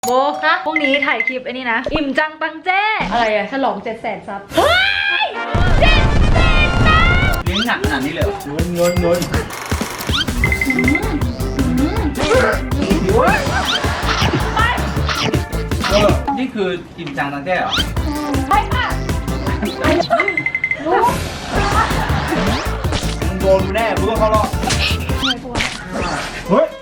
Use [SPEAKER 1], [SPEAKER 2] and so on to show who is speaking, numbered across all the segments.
[SPEAKER 1] โบคะพรุ่งนี้ถ่ายคลิปไอ้นี่นะอิ่มจังตังเจ้อะไรอะฉลอง700,000 ซับเฮ้ย700,000 ซับ
[SPEAKER 2] เลี้ยงหนักขนาดนี้เลยเงินนี่คืออิ่มจังตังแจ้เหรอ
[SPEAKER 1] ใช่ค่ะรู้
[SPEAKER 2] มึงโดนแน่มึงต้องเข้ารอบเฮ้ย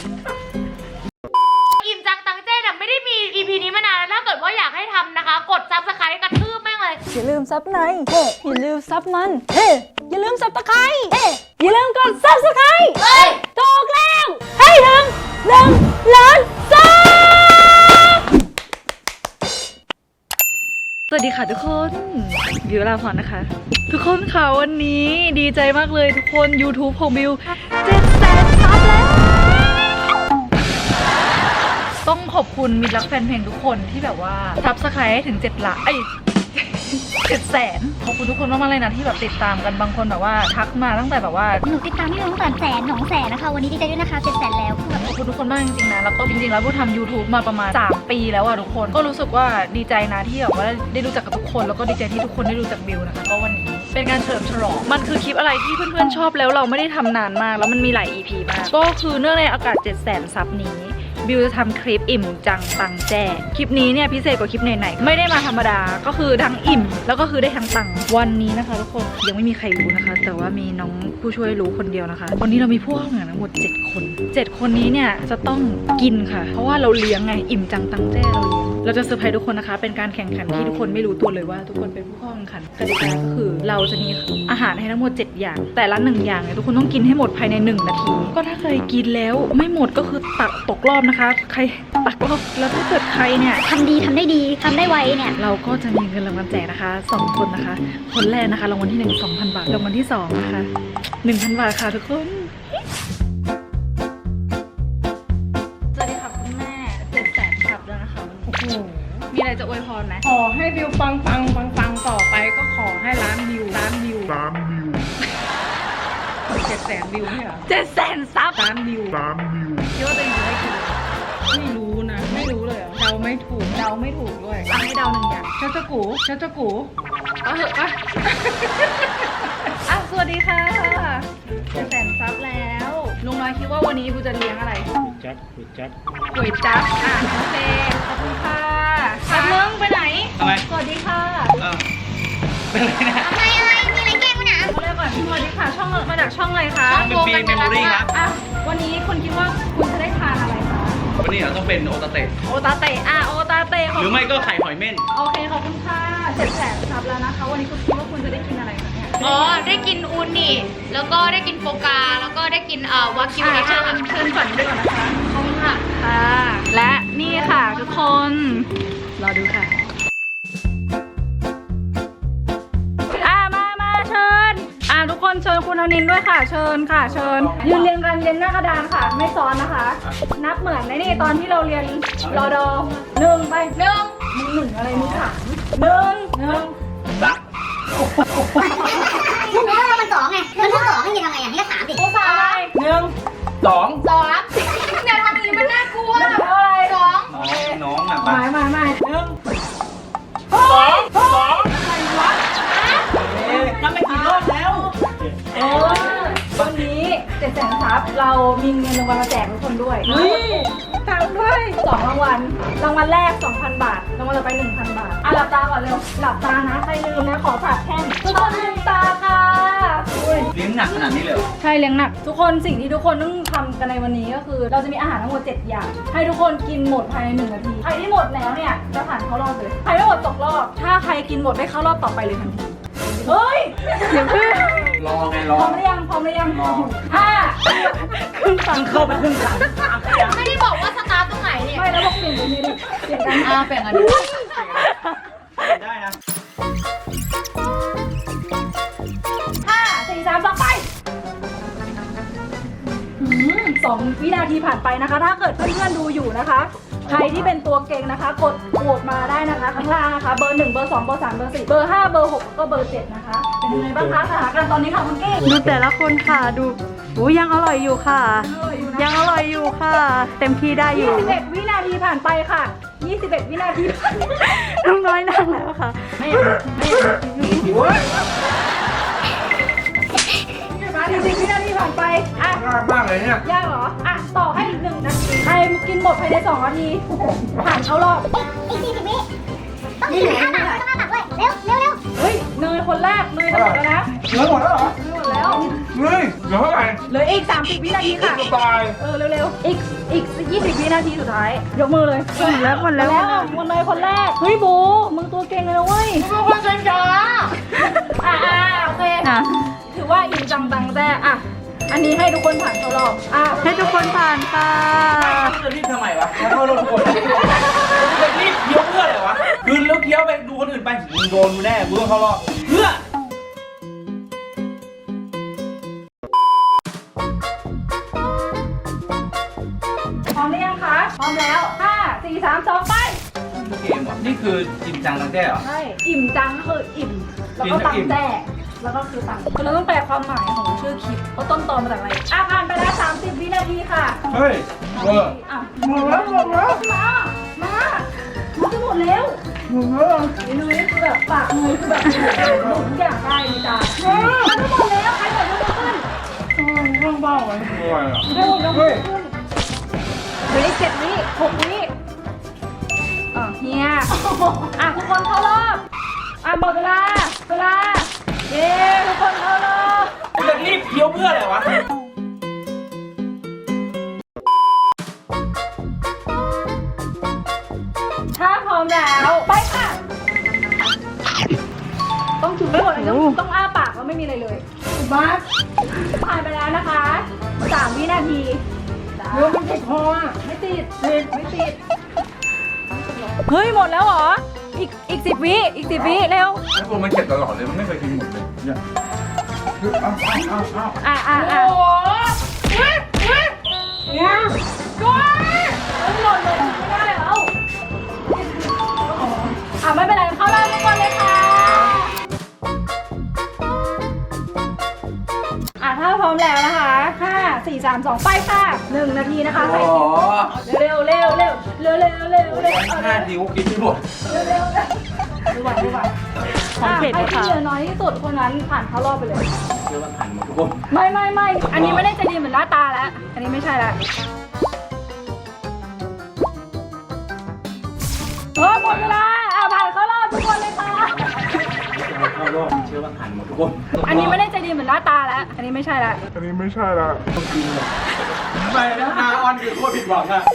[SPEAKER 1] อิ่มจังตังเจ้เนี่ยไม่ได้มี EP นี้มานานแล้วถ้าเกิดว่าอยากให้ทำนะคะกดซับสไครต์กระทืบแม่งเลย
[SPEAKER 3] อย่าลืมซับในเฮ้อย่าลืมซับมันเฮ้อย่าลืมซับตะไคร้เฮ้อย่าลืมกดซับสไครต์เฮ้ยถูกแล้วให้ถึง1,000,000 ซับ
[SPEAKER 1] สวัสดีค่ะทุกคนบิวลาพรนะคะทุกคนค่ะวันนี้ดีใจมากเลยทุกคน YouTube ของบิว700,000 ซับแล้วต้องขอบคุณมิตรรักแฟนเพลงทุกคนที่แบบว่าซับสไครต์ให้ถึง7 ล้าน700,000ขอบคุณทุกคนมากๆเลยนะที่แบบติดตามกันบางคนแบบว่าทักมาตั้งแต่แบบว่า
[SPEAKER 4] หนูติดตามพี่ตั้งแต่100,000 200,000นะคะวันนี้ดีใจด้วยนะคะ700,000 แล้วคือแบบ
[SPEAKER 1] ขอบคุณทุกคนมากจริงๆนะแล้วก็จริงๆแล้วบูทำ YouTube มาประมาณ3 ปีแล้วอะทุกคนก็รู้สึกว่าดีใจนะที่แบบว่าได้รู้จักกับทุกคนแล้วก็ดีใจที่ทุกคนได้รู้จักบิวนะคะก็วันนี้เป็นการเฉลิมฉลองมันคือคลิปอะไรที่เพื่อนๆชอบแล้วเราไม่ได้ทำนานมากแล้วมันมีหลาย EP มากก็คือเนื่องในอากาศ700,000 ซับนี้บิวจะทำคลิปอิ่มจังตังแจ้คลิปนี้เนี่ยพิเศษกว่าคลิปไหนๆไม่ได้มาธรรมดาก็คือทั้งอิ่มแล้วก็คือได้ทั้งตังวันนี้นะคะทุกคนยังไม่มีใครรู้นะคะแต่ว่ามีน้องผู้ช่วยรู้คนเดียวนะคะวันนี้เรามีผู้เข้าแข่งขันทั้งหมด7 คน7 คนนี้เนี่ยจะต้องกินค่ะเพราะว่าเราเลี้ยงไงอิ่มจังตังแจ้เราจะเซอร์ไพรส์ทุกคนนะคะเป็นการแข่งขันที่ทุกคนไม่รู้ตัวเลยว่าทุกคนเป็นผู้เข้าแข่งขันกติกาก็คือเราจะมีอาหารให้ทั้งหมด7 อย่างแต่ละ1 อย่างเนี่ยทุกคนต้องกินให้หมดภายใน1 นาทีก็ถ้าใครกินแล้วไม่หมดก็คือตกรอบนะคะใครตักรอบแล้วถ้าเกิดใครเนี่ย
[SPEAKER 4] ทำดีทำได้ดีทำได้ไวเนี่ย
[SPEAKER 1] เราก็จะมีเงินรางวัลแจกนะคะ2 คนนะคะคนแรกนะคะรางวัลที่1 2,000 บาทรางวัลที่2นะคะ1,000 บาทค่ะทุกคนสวัสดีค่ะคุณแม่700,000 ซับแล้วนะคะโอ้โหมีอะไรจะอวยพรไหม
[SPEAKER 3] ขอให้วิวปังต่อไปก็ขอให้ล้านวิว700,000 วิวไม่เหรอ
[SPEAKER 1] 700,000 ซับ
[SPEAKER 3] ล้านวิว
[SPEAKER 1] คิดว่าจะอยู่ได้กี่
[SPEAKER 3] ไม่รู้นะไม่รู้เลยเหรอเดาไม่ถูกด้วย
[SPEAKER 1] ให้เดา1 อย่าง
[SPEAKER 3] เจ้ากู
[SPEAKER 1] เอาเหอะป่ะสวัสดีค่ะ700,000 ซับแล้วลุงน้อยคิดว่าวันนี้กูจะเลี้ยงอะไรก๋วยจั๊บโอเคขอบคุณค่ะครับมึงไปไหน
[SPEAKER 2] ทำไม
[SPEAKER 1] สวัสดีค่ะ
[SPEAKER 2] เป็นไรนะ
[SPEAKER 4] อะไรมีอะไรแกล้งวะเนี่ย
[SPEAKER 1] เริ่มก่อนสวัสดีค่ะช่องมาจากช่องอะไรคะ
[SPEAKER 2] เป็นปีเมมโมรี่ครับ
[SPEAKER 1] วันนี้คุณคิดว่าคุณจะได้ทานอะไรคะ
[SPEAKER 2] วันนี้เราต้องเป็นโอตาเตะ
[SPEAKER 1] โอตาเตะ
[SPEAKER 2] หรือไม่ก็ไข่หอยเม่น
[SPEAKER 1] โอเคขอบคุณค่ะ700,000 ซับแล้วนะคะวันนี้คุณคิดว่าคุณจะได้กินอะไรคะเนี่ย
[SPEAKER 5] ได้กินอูนิแล้วก็ได้กินโฟกาแล้วก็ได้กินวากิว
[SPEAKER 1] เชิญฝันด้วยก่อนนะคะขอบคุณค่ะและนี่ค่ะทุกคนรอดูค่ะมาเชิญทุกคนเชิญคุณธนินด้วยค่ะเชิญยืนเรียงกันเรียนหน้ากระดานค่ะไม่ซ้อนนะคะนับเหมือนในนี่ตอนที่เราเรียนรอดอ1ไปมึง1อะไรมึง3 1
[SPEAKER 4] มึงว่ามัน2ไงมันพูด2ให้ยังไงให้ก็3สิ
[SPEAKER 1] ผู้ชาย
[SPEAKER 2] 1 2
[SPEAKER 5] อย่าทำอย่างนี้มันน่ากลัว
[SPEAKER 2] น้องอ่ะ
[SPEAKER 1] ไม่1 2อะไรวะ
[SPEAKER 2] นั่นไม่กี่รอบแล้ว
[SPEAKER 1] วันนี้700,000 ซับเรามีเงินรางวัลมาแจกทุกคนด้วยทำด้วย2 รางวัลแรก 2,000 บาทรางวัลต่อไป 1,000 บาทหลับตาก่อนเร็วหลับตานะใครลืมนะขอฝากแท่งทุกคนลืมตาค่ะ
[SPEAKER 2] เลี้ยงหนักขนาดนี้เลย
[SPEAKER 1] ใช่เลี้ยงหนักทุกคนสิ่งที่ทุกคนต้องทำกันในวันนี้ก็คือเราจะมีอาหารทั้งหมด7 อย่างให้ทุกคนกินหมดภายใน1 นาทีใครที่หมดแล้วเนี่ยจะผ่านเข้ารอบเลยใครไม่หมดตกรอบถ้าใครกินหมดได้เข้ารอบต่อไปเลยทันทีเฮ้ยเดี๋ยวคือ
[SPEAKER 2] รอ
[SPEAKER 1] พร้อมหรือยัง5ครึ่งตังเข้าไปครึ่งตัง
[SPEAKER 5] ไม่ได้บอกว่าสตาร์ทตรงไหนเนี่ย
[SPEAKER 1] ไม่แล้วบอกเปลี่ยนตรงนี้ดิเปลี่ยนกัน
[SPEAKER 5] เปลี่ยนกัน
[SPEAKER 2] ได้นะ
[SPEAKER 1] 5 4 3 2ไป2 วินาทีผ่านไปนะคะถ้าเกิดเพื่อนๆดูอยู่นะคะใครที่เป็นตัวเก่งนะคะกดโหวตมาได้นะคะข้างล่างนะคะเบอร์1เบอร์2เบอร์3เบอร์4เบอร์5เบอร์6ก็เบอร์7นะคะเป็นยังไงบ้างคะสถานการณ์ตอนนี้ค่ะคุณเก้ง
[SPEAKER 3] ดูแต่ละคนค่ะดูยังอร่อยอยู่ค่ะเต็มที่ได้อยู่
[SPEAKER 1] 21 วินา
[SPEAKER 3] ทีผ่านไปค่ะ 21 วินาทีน้องน้อยนั่งแล้วค่ะไม่
[SPEAKER 2] หิวเว้ย
[SPEAKER 3] 40 วินาทีผ่านไปอ่ะ
[SPEAKER 2] ยากมากเลยเนี่ย
[SPEAKER 3] ยากเหรออ่ะต่อให้อีก1 นาทีใครกินหมดภายใน2 นาทีผ่านเข้ารอบ
[SPEAKER 4] อีก40 วิต้องกินอ้าปากต้องอ้าปากด้วยเร็วเร็วเร็ว
[SPEAKER 3] เฮ้ยเนยคนแรกเนยจะหมดแล้วนะ
[SPEAKER 2] เหลือหมดแล้วเหรอ
[SPEAKER 3] เนยหมดแล้ว
[SPEAKER 2] เฮ้ยเหลือเท่าไหร่
[SPEAKER 3] เหลืออีก30 วินาทีค่ะ
[SPEAKER 2] จะตาย
[SPEAKER 3] เร็วๆอีก20 วินาทีสุดท้ายยกมือเลยหมดแล้วคนเนยคนแรกเฮ้ยบูมึงตัวเก่งเลยนะเว้ย
[SPEAKER 5] ทุกคนช้า
[SPEAKER 3] โอเคถือว่าอิ่มจังตังแต่อ่ะอันนี้ให้ทุกคนผ่านเข้ารอบให้ทุกคนผ่านค่ะ
[SPEAKER 2] จะรีบทำไมวะขอโทษทุกคนจะรีบเคี้ยวเพื่ออะไรวะคืนแล้วเคี้ยวไปดูคนอื่นไปมึงโดนกูแน่มึงต้องเข้ารอบเพื่อ
[SPEAKER 3] พร้อมหรือยังคะพร้อมแล้ว5 4 3 2ไป
[SPEAKER 2] เกมว่ะนี่คือจริงจังตั้งแต่เหรอ
[SPEAKER 3] ใช่อิ่มจังก็คืออิ่มแล้วก็ตังแต่แล้วก็คือตังคือเราต้องแปลความหมายของชื่อคลิปว่าต้นตอมาจากอะไรผ่านไปแล้ว30 วินาทีค่ะ
[SPEAKER 2] เฮ้ยเวอร์ หมดแล้ว
[SPEAKER 3] มาจะหมดแล้วเนยคือแบบปากเนยคือแบบหมดทุกอย่างได้เลยจ้ามันจะหมดแล้วใครหมดยกมือขึ้น
[SPEAKER 2] ข้างบ้านมันรวยอ่ะ
[SPEAKER 3] ใครหมดยกมือขึ้นเหลืออีก7 วิ 6 วิเฮียทุกคนเข้ารอบหมดเวลาเย้ทุกคนเข้ารอบ
[SPEAKER 2] จะรีบเคี้ยวเพื่ออะไรวะ
[SPEAKER 3] ถ้าพร้อมแล้วไปค่ะต้องจุ่มไม่หมดเลยต้องอ้าปากแล้วไม่มีอะไรเลยถูกปะผ่านไปแล้วนะคะ3 วินาทีเดี๋ยวมันติดคอไม่ติดเฮ้ยหมดแล้วเหรออีก10 วิเร็ว
[SPEAKER 2] ไอ้พวกมันเก็บตลอดเลยมันไม่เคยกินหมดเลยเนี่ยเอา
[SPEAKER 3] โอ้เนี่ยก้อยหมดเลยไม่ได้แล้วไม่เป็นไรเข้ารอบทุกคนเลยค่ะถ้าพร้อมแล้วนะคะ5 4 3 2ไปค่ะ1 นาทีนะคะใส่เร็ว5
[SPEAKER 2] นิ้วกินไม่หมด
[SPEAKER 3] ดูไหวใครที่เหลือน้อยที่สุดคนนั้นผ่านเข้ารอบไปเลย
[SPEAKER 2] เชื่อว่าผ่านหมดทุกคน
[SPEAKER 3] ไม่อันนี้ไม่ได้ใจดีเหมือนหน้าตาแล้วอันนี้ไม่ใช่แล้วหมดเวลาผ่านเข้ารอบทุกคนเลยค่ะ
[SPEAKER 2] เข้ารอบเชื่อว่าผ่านหมดทุกคน
[SPEAKER 3] อันนี้ไม่ได้ใจดีเหมือนหน้าตาแล้วอันนี้ไม่ใช่แล้ว
[SPEAKER 2] ต้องกินเลยไปนะนาออนคือโคตรผิดหวังอะ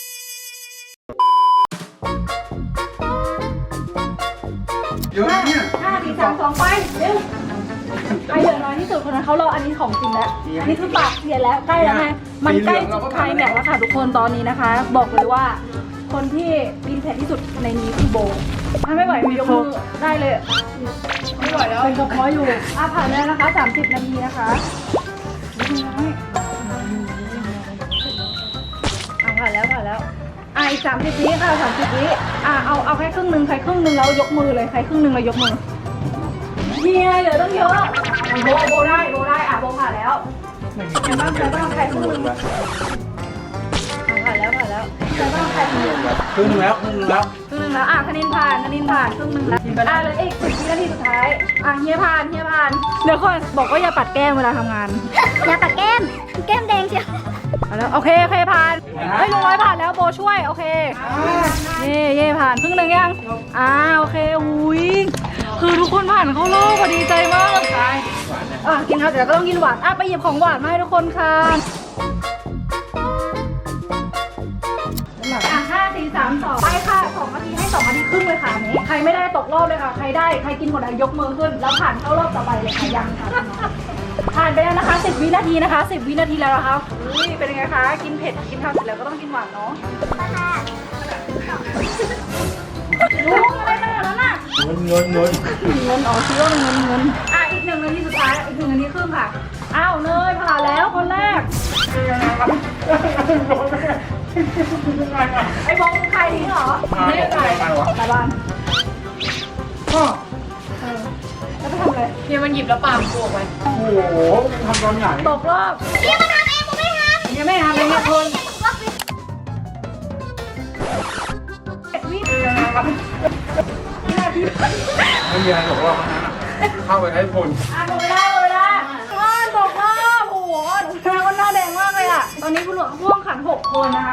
[SPEAKER 2] เยอะเนี่ย
[SPEAKER 3] 5 4 3 2ไปเร็วใครเหลือน้อยที่สุดคนนั้นเขารออันนี้ของจริงแล้วอันนี้คือปากเสียแล้วใกล้แล้วไงมันใกล้จุดไคลแม็กซ์แล้วค่ะทุกคนตอนนี้นะคะ บอกเลยว่าคนที่กินเผ็ดที่สุดในนี้คือโบถ้าไม่ไหวยกมือได้เลยไม่ไหวแล้วเป็นกระเพาะอยู่ผ่านแล้วนะคะ30 นาทีนะคะผ่านแล้วอีก30 วิค่ะ30 วิเอาแค่ครึ่งหนึ่งใครครึ่งหนึ่งแล้วยกมือเลยใครครึ่งหนึ่งแล้วยกมือเฮียเหลือต้องเยอะโบได้โบผ่านแล้วใครบ้างใครครึ่งหนึ่งผ่านแล้วใครบ้างใครครึ่งหนึ่ง
[SPEAKER 2] ครึ่งหนึ่งแล้ว
[SPEAKER 3] ครึ่งหนึ่งแล้วคณินผ่านครึ่งหนึ่งแล้วเหลืออีก10 วินาทีสุดท้ายเฮียผ่านเดี๋ยวก่อนบอกว่าอย่าปัดแก้มเวลาทำงาน
[SPEAKER 4] อย่าปัดแก้มแดงเชียว
[SPEAKER 3] แล้วโอเคผ่านลุงน้อยผ่านแล้วโบช่วยโอเคเย่ผ่านครึ่งหนึ่งยังโอเคอุ้ยคือทุกคนผ่านเข้ารอบพอดีใจมากเลยกินข้าวเสร็จแล้วก็ต้องกินหวานไปหยิบของหวานมาให้ทุกคนค่ะ5 4 3 2ไปค่ะ2 นาทีให้2 นาทีครึ่งเลยค่ะนี้ใครไม่ได้ตกรอบเลยค่ะใครได้ใครกินหมดยกมือขึ้นแล้วผ่านเข้ารอบต่อไปเลยค่ะยังค่ะผ่านไปแล้วนะคะ10 วินาทีนะคะ10 วินาทีแล้วนะคะอุ้ยเป็นยังไงคะกินเผ็ดกินข้าวเสร็จแล้วก็ต้องกินหวานเนาะรู้อะไรขนาดนั้นน่ะ
[SPEAKER 2] เงิน
[SPEAKER 3] คิดว่าเงินอีก1 นาทีสุดท้ายอีก1 นาทีครึ่งค่ะเนยผ่านแล้วคนแรกไอ้บงใครทิ้งเหรอไม่ได้ใครตาบ้านแล้วไปทำอะไร
[SPEAKER 5] ๆเนี่ยมันหยิบแล้วปากกูออกไป
[SPEAKER 2] โอ้โหทำตอนไหน
[SPEAKER 3] ตกรอบ
[SPEAKER 4] พี่มาทำเองผมไม่ทำ
[SPEAKER 3] ยังไม่ทำเลยเนี่ยคน
[SPEAKER 2] วะไม่มีอะไรหรอกว่ามันนั้นเข้าไปให้คน
[SPEAKER 1] หมดเวลาตกรอบโอ้โหหนูแดงว่าหน้าแดงมากเลยอ่ะ ตอนนี้ผู้หลวงพ่วงขัน6 คนนะคะ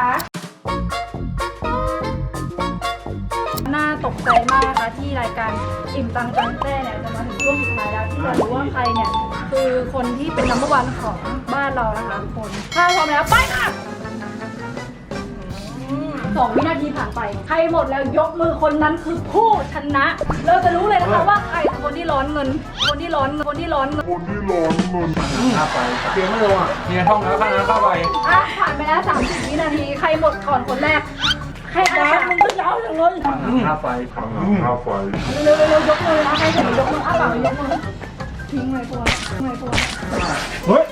[SPEAKER 1] น่าตกใจมากนะคะที่รายการอิ่มตังจังแต้เนี่ยจะมาถึงช่วงสุดท้ายแล้วที่จะรู้ว่าใครเนี่ยคือคนที่เป็นนัมเบอร์วันของบ้านเรานะคะทุกคนถ้าพร้อมแล้วไปค่ะ2 วินาทีผ่านไปใครหมดแล้วยกมือคนนั้นคือผู้ชนะ เราจะรู้เลยนะคะว่าใครคือคนที่ร้อนเงิน คนที่ร้อนเงิน
[SPEAKER 2] เข้าไปเพียงไม่ลงอ่ะเนี่ยท่องแล้วข้างนั้นเข้าไป
[SPEAKER 1] อ่ะผ่านไปแล้ว30 วินาทีใครหมดก่อนคนแรกใครมึงก็ยาวจังเลย
[SPEAKER 2] เข้าไป
[SPEAKER 1] เร็วๆยกมือนะใครเสร็จยกมืออ้าปากยกมือทิ้งเลยพวก
[SPEAKER 2] เฮ้ย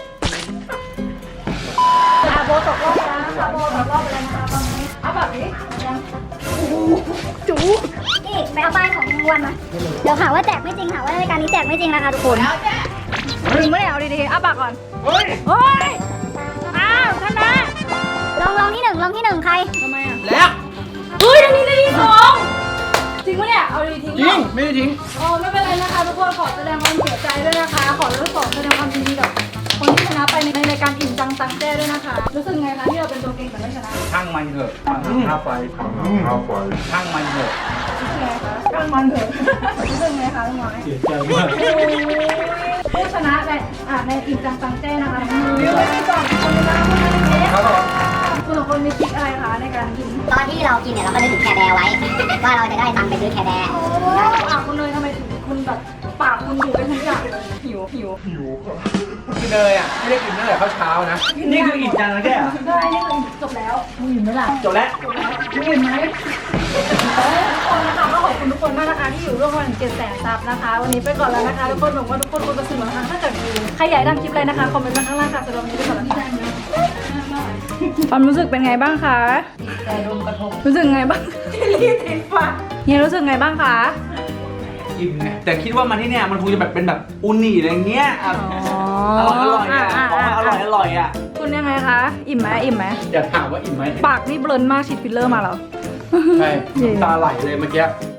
[SPEAKER 1] อาโบตกรอบแล้วนะคะโบตกรอบไปแล้วนะคะตอนนี้อ้าปากดิยังจู
[SPEAKER 4] นี่ไปเอาป้ายของรางวัลมาเดี๋ยวหาว่าแจกไม่จริงหาว่ารายการนี้แจกไม่จริงนะคะทุกคน
[SPEAKER 1] จริงไม่ได้เอาดีๆอ้าปากก่อน
[SPEAKER 2] เฮ้ย
[SPEAKER 1] เฮ้ยอ้าวชนะ
[SPEAKER 4] ลองที่หนึ่งใคร
[SPEAKER 1] ทำไมอ่ะ
[SPEAKER 2] แล้ว
[SPEAKER 1] เฮ้ยอันนี้ได้ที่2จริงปะเนี่ยเอาดีทิ้ง
[SPEAKER 2] จริงไม่ได้ทิ้ง
[SPEAKER 1] อ๋อไม่เป็นไรนะคะทุกคนขอแสดงความเสียใจด้วยนะคะขอเลิกขอแสดงความยินดีกับคนที่ชนะไปในรายการอิ่มจังตังแจ้ด้วยนะคะรู้สึกไงคะที่เราเป็นตัวเก่งแต่ไม่ชนะ
[SPEAKER 2] ช่างมันเถอะเข้าไปช่างมันเถอะ
[SPEAKER 1] รู้สึกไงคะช่างมันเถอะรู้สึกไงคะลุงน้อย
[SPEAKER 2] เสียใจมาก
[SPEAKER 1] ผู้ชนะในอิ่มจังตังแจ้นะคะวิวไปก่อนคนชนะคนนี้
[SPEAKER 2] ครับผม
[SPEAKER 1] คุณสองคนมีทริคอะไรคะในการกิน
[SPEAKER 4] ตอนที่เรากินเนี่ยเราก็นึกถึงแคร์แบร์ไว้ ว่าเราจะได้ตังค์ไปซื้อแคร์แบร์
[SPEAKER 1] โอ้คุณเลยทำไมถึงคุณแบบปากคุณอยู่เป็นทุกอย่างเลยหิว
[SPEAKER 2] กินเลยอ่ะไม่ได้กินตั้งแต่เช้านะนี่คืออิ่มจังนะแก
[SPEAKER 1] ได้นี่คือจบแล้วมึงหิวไหมล่ะ
[SPEAKER 2] จบแล้ว
[SPEAKER 1] มึงหิวไหมทุกคนนะคะก็ขอบคุณทุกคนมากนะคะที่อยู่ร่วมกันถึง700,000 ซับนะคะ วันนี้ไปก่อนแล้วนะคะทุกคนหวังว่าทุกคนคงจะสนุกนะคะถ้าเกิดมีใครอยากทำคลิปอะไรนะคะคอมเมนต์มาข้างล่างค่ะสำหรับวันนี้ไปก่อนแล้วค่ะความรู้สึกเป็นไงบ้างคะใจโดนกระทบรู้สึกไงบ้างรีบติดฟันเฮียรู้สึกไงบ้างคะ
[SPEAKER 2] อิ่มไงแต่คิดว่ามันที่เนี่ยมันคงจะแบบเป็นแบบอุนิอะไรเงี้ยอร่อยอ่ะของอร่อยอ่ะ
[SPEAKER 1] คุณยังไงคะอิ่มไหม
[SPEAKER 2] อย่าถามว่าอิ่มไหม
[SPEAKER 1] ปากนี่เบลนมากฉีดฟิลเลอร์มาแล้ว
[SPEAKER 2] ใช่น้ำตาไหลเลยเมื่อกี้